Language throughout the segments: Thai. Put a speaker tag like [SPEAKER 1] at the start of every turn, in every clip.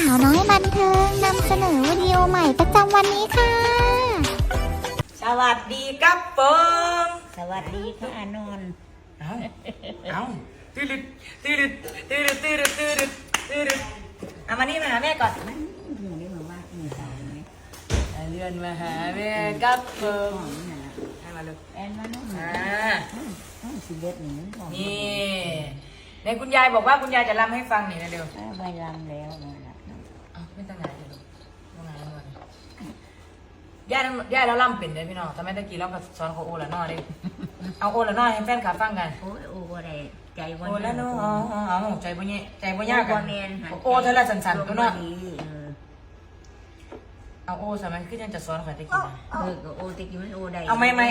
[SPEAKER 1] าวน้อยบันเทิงนำเสนอวิดีโอใหม่ประจำวันนี้ค่ะ
[SPEAKER 2] สวัสดีครับผม
[SPEAKER 3] สวัสดีค่ะอานนท์
[SPEAKER 2] เอาตื่นเอามานี่มาหาแม่ก่อน
[SPEAKER 3] มันถึงได้มาว่ามีสาวไหม
[SPEAKER 2] เรียนมาหาแม่ครับผ
[SPEAKER 3] ข
[SPEAKER 2] ม
[SPEAKER 3] องนี่นะ
[SPEAKER 2] ให้มาเลย
[SPEAKER 3] แอนมาน้อง ต้องสิเด็ดหนึ่งของ
[SPEAKER 2] นี่ในคุณยายบอกว่าคุณยายจะรำให้ฟังหน่อยนะเดี๋ยว
[SPEAKER 3] ใบลำแล้วนะ
[SPEAKER 2] ไม่ตั้งไหนเลยตั้งไหนเลยย่าแล้วรำเป็นเลยพี่น้องทำไมตะกี้เราก็สอนเขาโอละนอดิเอาโอละนอให้แฟนขาฟังกัน
[SPEAKER 3] โอ้ยโอ้อะไรใจวัน
[SPEAKER 2] โอละนอเอาใจบ่เนี่ยใจบ่ยากกันโอเธอละสันๆตัวเนาะเอาโอสมัยคือยังจะสอนข่อยตะกี้นะ
[SPEAKER 3] ก็โอตะกี้มันโอได้
[SPEAKER 2] เอาไม่ไม่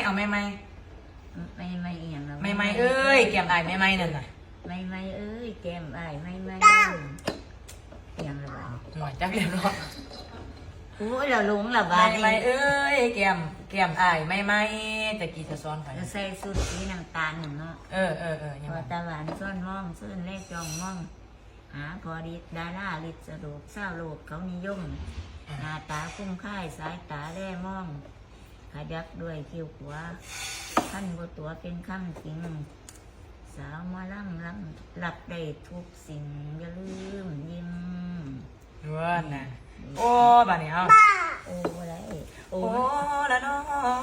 [SPEAKER 3] อีหยังแล้ว
[SPEAKER 2] ไม่เอ้ยแก้มอายไม่นั่นน่ะ
[SPEAKER 3] ไม่เอ้ยแก้มอ้ายไม่อีหยังละบ้า
[SPEAKER 2] หน่อยจักเรียบร้อย
[SPEAKER 3] โอ้ยเราลงละบ้า
[SPEAKER 2] ไม่เอ้ยแก้มอายไม่ตะกี้จะสอนข่อย
[SPEAKER 3] ใส่สุดสีน้ำตาลหนึ่งเนาะ
[SPEAKER 2] ยัง
[SPEAKER 3] พอ
[SPEAKER 2] ไง
[SPEAKER 3] ตะวันซ่อนมองซื่นเลขจองมองหาพอดีดาราลิสรุปเศร้าโลกเขานิยมหน้าตาคุ้มค่ายสายตาแร่มองขยักด้วยคิ้วขวาขั้นบตัวเป็นคำจริงสาวมาล่ำหลับได้ทุกสิ่งอย่าลืมยิ้ม
[SPEAKER 2] ว่าน่ะโอ้บ้านนี้เอา
[SPEAKER 3] โอ้อะไรโอ้
[SPEAKER 2] โอ้ละน้อ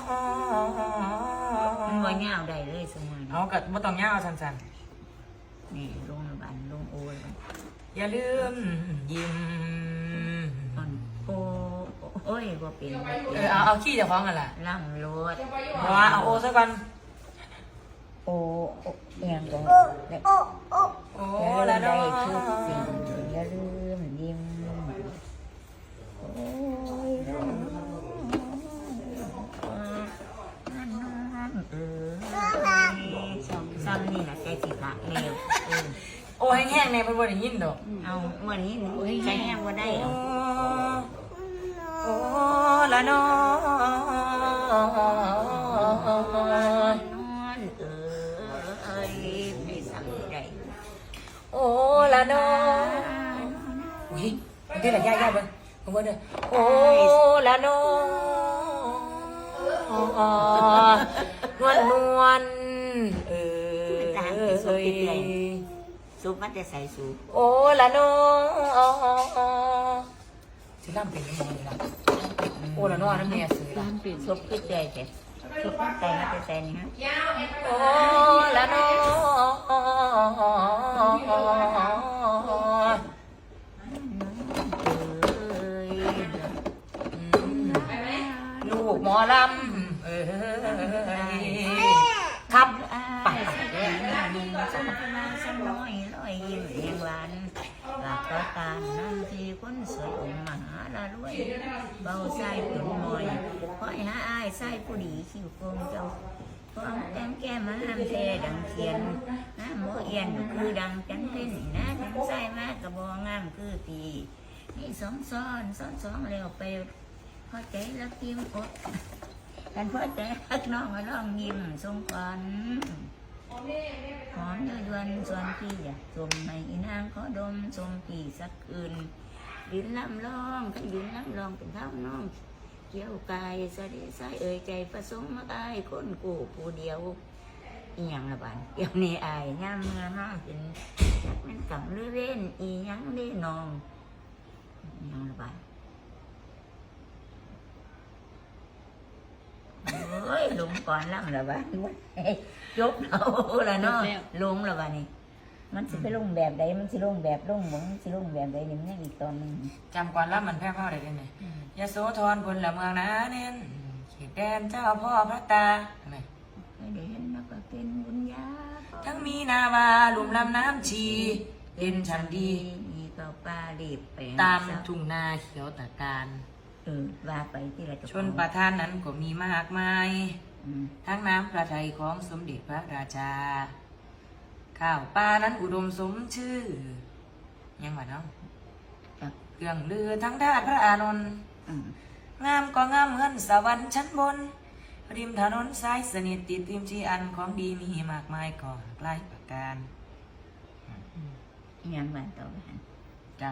[SPEAKER 3] มันว่าเงาได้เลยสมัย
[SPEAKER 2] เอากับ่ต้องย่าเอาสั้น
[SPEAKER 3] นี่ลงบันลงโอ้ย
[SPEAKER 2] ๆอย่าลืมยิ้ม
[SPEAKER 3] โอ้โอ้ยบ่เป็น
[SPEAKER 2] เอาขี้จะฟ้องกันล่ะ
[SPEAKER 3] ล่ำรถ
[SPEAKER 2] ว่าเอาโอซะก่อน
[SPEAKER 3] โอ้เอียงตรง
[SPEAKER 2] โอ้
[SPEAKER 3] อย่าลื
[SPEAKER 2] ละ
[SPEAKER 3] ม
[SPEAKER 2] น้อ
[SPEAKER 3] ได้ทุกสิ่งอย่าลืมยิ้มโอ้ยซ้ำนี่แหละใจสิขาเร็ว
[SPEAKER 2] โอ้แห้งๆเนี่ยเพิ่นบ่ได้ยินดอก
[SPEAKER 3] เอาวันนี้ใจแห้งว่าได้
[SPEAKER 2] โอ้ละน้อ
[SPEAKER 3] นอนไม่สั่งใด
[SPEAKER 2] โอ้ละน้ออุ้ยนี่แหละย่าเบิ่งเบิ่งเด้อโอ้ละน้อนวล
[SPEAKER 3] ซุปมันจะใส่ซุป
[SPEAKER 2] โอ้ละน้อสิล่ำเป็นยังไงล่ะโอ้ละน้อนั่นแม่ซื้อล่ะ
[SPEAKER 3] ซุปขึ้นใจแต่ซุปมันใจมันจะใส่นี่ฮะ
[SPEAKER 2] โอ้ละน้อลูกหมอลำครับไป
[SPEAKER 3] มีส้มมาส้มน้อยลอยยิ้มแห่งหวานหลับตาตานั่งที่คนสวยองค์มหาละรวยเบาใส่ตุนมอยคอยหาอ้ายใส่ผู้ดีคิวโกงเจ้าพร้อมแก้มแก้มมาห้ามเทดังเขียนน้ำโมเอียนคือดังจันเต้นนะจันใส่มากกระบองงามคือตีนี่สองแล้วไปพอใจแล้วพิมอดกันพอใจฮักน้องมาลองยิ้มทรงขวัญหอมเดือดส่วนพี่อยากชมให้อีนางขอดมชมพี่สักคืนยืนลำลองยืนลำลองเป็นเท้าน้องเกี่ยวกายสะเดสายเอ่ยใจประสงค์มาอายคนกูผู้เดียวอีหยังละบานเดี๋ยวนี้อายย่ำเมื่อน้องเป็นจักเป็นกำหรือเล่นอีหยังได้น้องอีหยังละบานเฮ้ยลงก่อนล่ำละบ้านจบเอาละเนาะลงละบ้านนี่มันสิไปลงแบบใดมันสิลงแบบลงหมองสิลงแบบใดนี่มันยังอีกตอนนึง
[SPEAKER 2] จำก่อนรับมันแพ้พ่อได้ด้วยไงยโสธรพลเมืองนาเน้นเขตแดนเจ้าพ่อพระตาไง
[SPEAKER 3] เคยได้เห็นนักเป็นบุญญา
[SPEAKER 2] ทั้งมีนาวาลุ่มลำน้ำชีเล่นฉันดี
[SPEAKER 3] มีก็ป้ารีบไป
[SPEAKER 2] ตามทุ่งนาเขียวตะการ
[SPEAKER 3] ว่าไปที่ไร
[SPEAKER 2] ชนประทานนั้นก็มีมากมาย ทั้งน้ำพระทัยของสมเด็จพระราชา ข้าวปลานั้นอุดมสมชื่อ ยังไงเนาะเครื่องลือทั้งด้านพระอานนท์งามก็งามเหมือนสวรรค์ชั้นบน ริมถนนสายสนิทติดริมชีอันของดีมีมากมายก่อหลายประการ
[SPEAKER 3] ยังบ้านต่อกัน
[SPEAKER 2] จาก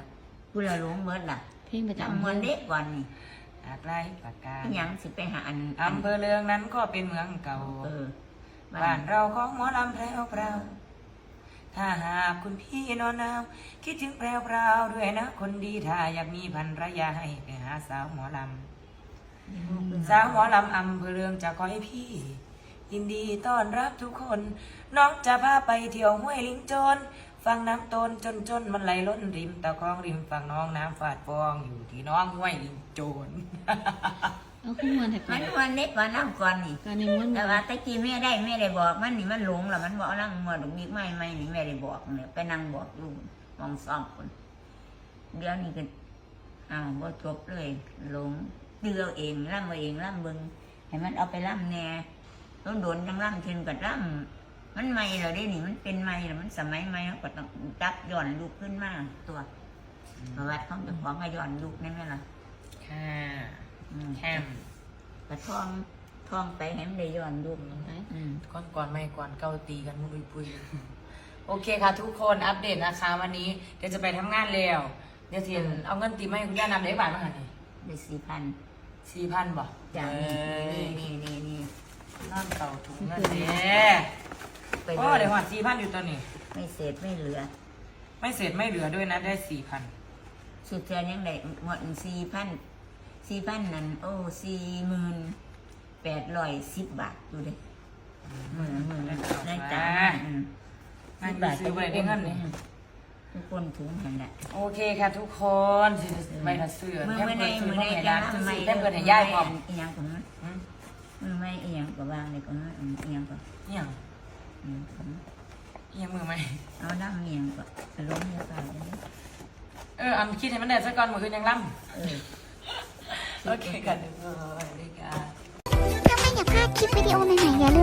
[SPEAKER 3] กูละหลงเมื่อล่ะ
[SPEAKER 4] เพลงประ
[SPEAKER 3] จำ
[SPEAKER 4] จำ
[SPEAKER 3] เมื่อเด็กก่อนนี่
[SPEAKER 2] อาจไล่ปากกา
[SPEAKER 3] ยังสิไปหาอัน
[SPEAKER 2] อำเภอเลืองนั้นก็เป็นเมืองเก่า
[SPEAKER 3] บ้า
[SPEAKER 2] บ้าน นเราของหมอลำแพรวพราวถ้าหากคุณพี่นอนหนาวคิดถึงแพรวพราวด้วยนะคนดีถ้าอยากมีภรรยาให้ไปหาสาวหมอลำสาวหมอลำอำเภอเลืองจะคอยพี่ ยินดีต้อนรับทุกคน น้องจะพาไปเที่ยวห้วยลิงโจนฟังน้ำตนจนมันไหลล้นริมตะคองริมฝั่งน้องน้ำฝาดฟองอยู่ที่น้องห้วยลิงโจน
[SPEAKER 4] เอาขึ้นมาแถบ
[SPEAKER 3] มันวันเด็กว่าน้ำก่อนนี่
[SPEAKER 4] การในม้วน
[SPEAKER 3] แต่ว่าตะกี้แม่ได้บอกมันนี่มันหลงแล้วมันบอกนั่งมัวดอกบิ๊กไม่นี่แม่ได้บอกเนี่ยไปนั่งบอกอยู่มองซ่อมคนเดี๋ยวนี้ก็บ่จบเลยหลงเดือเองล่ำเองล่ำเบิงให้มันเอาไปล่ำแน่ต้องโดนจังล่ำเช่นกับล่ำมันไม่เหรอได้นี่มันเป็นไม่หรอมันสมัยไม่เขาก็ต้องจับย้อนลูกขึ้นมาตัวประวัติเขาจะของให้ย้อนลูกได้ไหมล่ะ
[SPEAKER 2] ค่ะแคม
[SPEAKER 3] กระท่องไปให้มันได้ย้อนลูกอืม
[SPEAKER 2] ก่อนไม่ก่อนเกาตีกันมุยปุยโอเคค่ะทุกคนอัปเดตนะคะวันนี้เดี๋ยวจะไปทำงานแล้วเดี๋ยวเทียนเอาเงินตีมาให้คุณย่านำได้บาทมาหานี่
[SPEAKER 3] ได้4,000
[SPEAKER 2] 4,000บ่
[SPEAKER 3] จาก
[SPEAKER 2] เอ้ย
[SPEAKER 3] นี่
[SPEAKER 2] นอนเต่าถุงเงินเด้
[SPEAKER 3] ไป
[SPEAKER 2] โอ้
[SPEAKER 3] เล
[SPEAKER 2] เดี๋ย
[SPEAKER 3] ยว
[SPEAKER 2] หัด4,000อยู่ตัวนี้
[SPEAKER 3] ไม่เศษไม่เหลือ
[SPEAKER 2] ไม่เสร็จไม่เหลือด้วยนะได้4,000
[SPEAKER 3] สุดท้ายยังได้หมด4,000นั่นโอ้4810 บาทดูดิมือได้จ้า
[SPEAKER 2] นั่นคือซื้อไปได้เงินนี่
[SPEAKER 3] ทุกคนถุงเห็นแหละ
[SPEAKER 2] โอเคค่ะทุกคนสิใบละเสื้อ
[SPEAKER 3] มือ
[SPEAKER 2] แค่
[SPEAKER 3] ไม่
[SPEAKER 2] เปิ
[SPEAKER 3] ได้
[SPEAKER 2] ดซื้อ
[SPEAKER 3] มือ
[SPEAKER 2] มา
[SPEAKER 3] ได้
[SPEAKER 2] ให้
[SPEAKER 3] จ้า
[SPEAKER 2] ร้านซื้อ
[SPEAKER 3] ไม่
[SPEAKER 2] แค่เปิดให้ย่ายพร้อม
[SPEAKER 3] อีหยังของมัน
[SPEAKER 2] อืม
[SPEAKER 3] มือไม่อีหยังก็วางเลยก็มันอีหยังก็
[SPEAKER 2] อิหยัง
[SPEAKER 3] ของ
[SPEAKER 2] อิหยังมือไหม
[SPEAKER 3] เอาดำอีหยังก็ล้มเยอะไปเลย
[SPEAKER 2] อันคิดให้มันได้สักก่อนมืออื่นยังล่
[SPEAKER 3] เออ
[SPEAKER 2] ำโอเคกันทุกคนสวัสดีค่ะ
[SPEAKER 1] ถ้าไม่อยากพลาดคลิปวิดีโอใหม่ๆอย่าลืม